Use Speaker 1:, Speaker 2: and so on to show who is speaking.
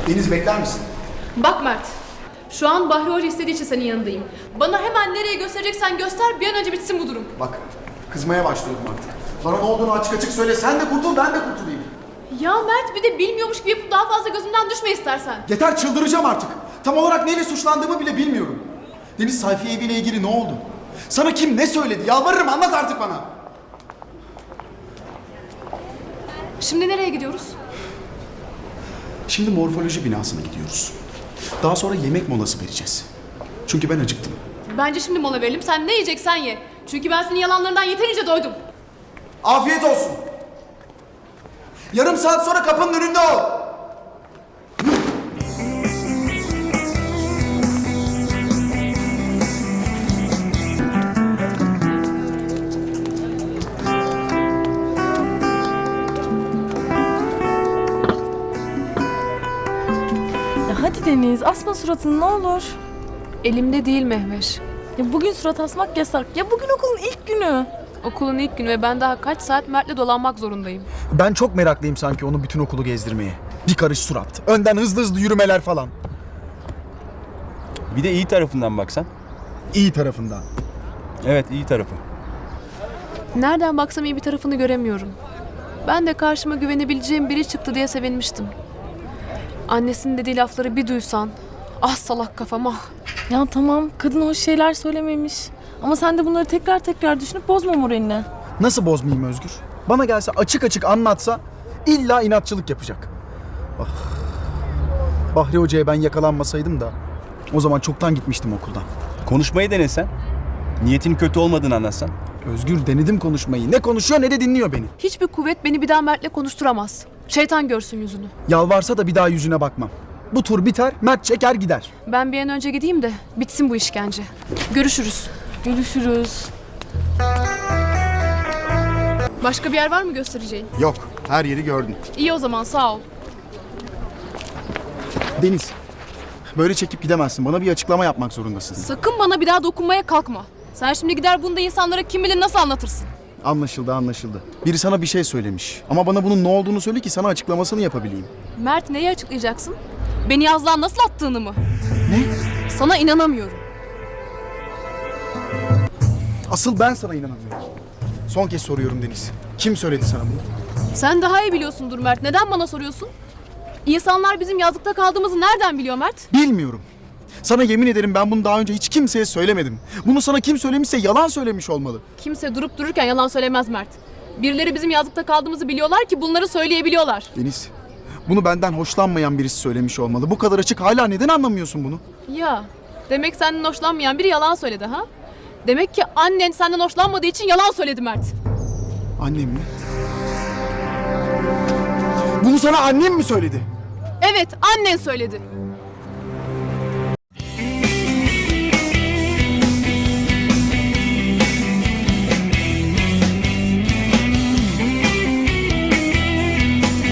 Speaker 1: Deniz bekler misin?
Speaker 2: Bak Mert, şu an Bahri Hoca istediği için senin yanındayım. Bana hemen nereye göstereceksen göster, bir an önce bitsin bu durum.
Speaker 1: Bak, kızmaya başlıyorum artık. Bana ne olduğunu açık açık söyle. Sen de kurtul, ben de kurtulayım.
Speaker 2: Ya Mert, bir de bilmiyormuş gibi yapıp daha fazla gözümden düşme istersen.
Speaker 1: Yeter, çıldıracağım artık. Tam olarak neyle suçlandığımı bile bilmiyorum. Deniz, Sayfiye eviyle ilgili ne oldu? Sana kim ne söyledi? Yalvarırım, anlat artık bana.
Speaker 2: Şimdi nereye gidiyoruz?
Speaker 1: Şimdi morfoloji binasına gidiyoruz. Daha sonra yemek molası vereceğiz. Çünkü ben acıktım.
Speaker 2: Bence şimdi mola verelim, sen ne yiyeceksen ye. Çünkü ben senin yalanlarından yeterince doydum.
Speaker 1: Afiyet olsun. Yarım saat sonra kapının önünde ol.
Speaker 3: Hadi Deniz, asma suratını ne olur.
Speaker 2: Elimde değil Mehveş.
Speaker 3: Ya bugün surat asmak yasak. Ya bugün okulun ilk günü.
Speaker 2: Okulun ilk günü ve ben daha kaç saat Mert'le dolanmak zorundayım.
Speaker 1: Ben çok meraklıyım sanki onu bütün okulu gezdirmeye. Bir karış surat. Önden hızlı hızlı yürümeler falan.
Speaker 4: Bir de iyi tarafından baksan.
Speaker 1: İyi tarafından.
Speaker 4: Evet, iyi tarafı.
Speaker 2: Nereden baksam iyi bir tarafını göremiyorum. Ben de karşıma güvenebileceğim biri çıktı diye sevinmiştim. Annesinin dediği lafları bir duysan. Ah salak kafam ah.
Speaker 3: Ya tamam, kadın hoş şeyler söylememiş. Ama sen de bunları tekrar tekrar düşünüp bozma moralini.
Speaker 1: Nasıl bozmayayım Özgür? Bana gelse açık açık anlatsa illa inatçılık yapacak. Ah. Bahri Hoca'ya ben yakalanmasaydım da o zaman çoktan gitmiştim okuldan.
Speaker 4: Konuşmayı denesen. Niyetin kötü olmadığını anlatsan.
Speaker 1: Özgür, denedim konuşmayı. Ne konuşuyor ne de dinliyor beni.
Speaker 2: Hiçbir kuvvet beni bir daha Mert'le konuşturamaz. Şeytan görsün yüzünü.
Speaker 1: Yalvarsa da bir daha yüzüne bakmam. Bu tur biter, Mert çeker gider.
Speaker 2: Ben bir an önce gideyim de bitsin bu işkence. Görüşürüz.
Speaker 3: Görüşürüz.
Speaker 2: Başka bir yer var mı göstereceğin?
Speaker 1: Yok, her yeri gördün.
Speaker 2: İyi o zaman sağ ol.
Speaker 1: Deniz, böyle çekip gidemezsin. Bana bir açıklama yapmak zorundasın.
Speaker 2: Sakın bana bir daha dokunmaya kalkma. Sen şimdi gider bunu da insanlara kim bilir nasıl anlatırsın.
Speaker 1: Anlaşıldı, anlaşıldı. Biri sana bir şey söylemiş. Ama bana bunun ne olduğunu söyle ki sana açıklamasını yapabileyim.
Speaker 2: Mert neyi açıklayacaksın? Beni yazlığa nasıl attığını mı?
Speaker 1: Ne?
Speaker 2: Sana inanamıyorum.
Speaker 1: Asıl ben sana inanamıyorum. Son kez soruyorum Deniz. Kim söyledi sana bunu?
Speaker 2: Sen daha iyi biliyorsundur Mert. Neden bana soruyorsun? İnsanlar bizim yazlıkta kaldığımızı nereden biliyor Mert?
Speaker 1: Bilmiyorum. Sana yemin ederim ben bunu daha önce hiç kimseye söylemedim. Bunu sana kim söylemişse yalan söylemiş olmalı.
Speaker 2: Kimse durup dururken yalan söylemez Mert. Birileri bizim yazlıkta kaldığımızı biliyorlar ki bunları söyleyebiliyorlar.
Speaker 1: Deniz, bunu benden hoşlanmayan birisi söylemiş olmalı. Bu kadar açık hala neden anlamıyorsun bunu?
Speaker 2: Ya, demek senden hoşlanmayan biri yalan söyledi ha? Demek ki annen senden hoşlanmadığı için yalan söyledi Mert.
Speaker 1: Annem mi? Bunu sana annem mi söyledi?
Speaker 2: Evet, annen söyledi.